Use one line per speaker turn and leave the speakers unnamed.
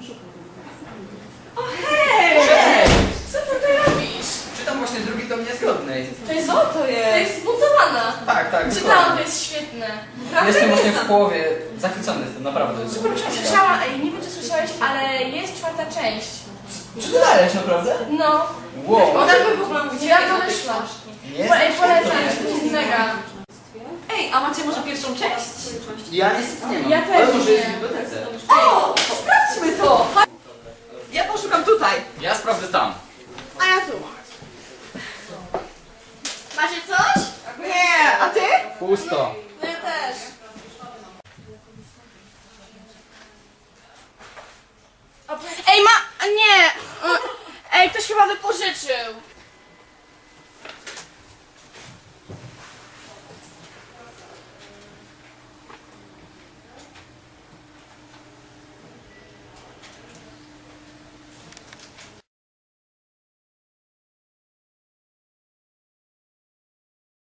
O hej!
Cześć!
Co ty tutaj robisz?
Czytam właśnie drugi tom Niezgodnej.
Co to jest? To jest zbudowana.
Tak, tak.
Czytałam, to jest świetne.
Jestem właśnie w połowie. Zachwycony jestem, naprawdę. Super książka.
Słyszałam, nie wiem czy słyszałeś, ale jest czwarta część.
Czy ty dajesz, naprawdę?
No.
Wow.
Ona by w ogóle mówiła, jak to wyszła. Polecam, to jest mega.
Ej, a macie może pierwszą część?
Ja niestety nie mam.
Ja też
Ale może jest w
nie.
bibliotece.
O, sprawdźmy to! Ja poszukam tutaj.
Ja sprawdzę tam.
A ja tu.
Macie coś?
Nie, a ty?
Pusto.
No ja też. Ej, nie! Ej, ktoś chyba wypożyczył.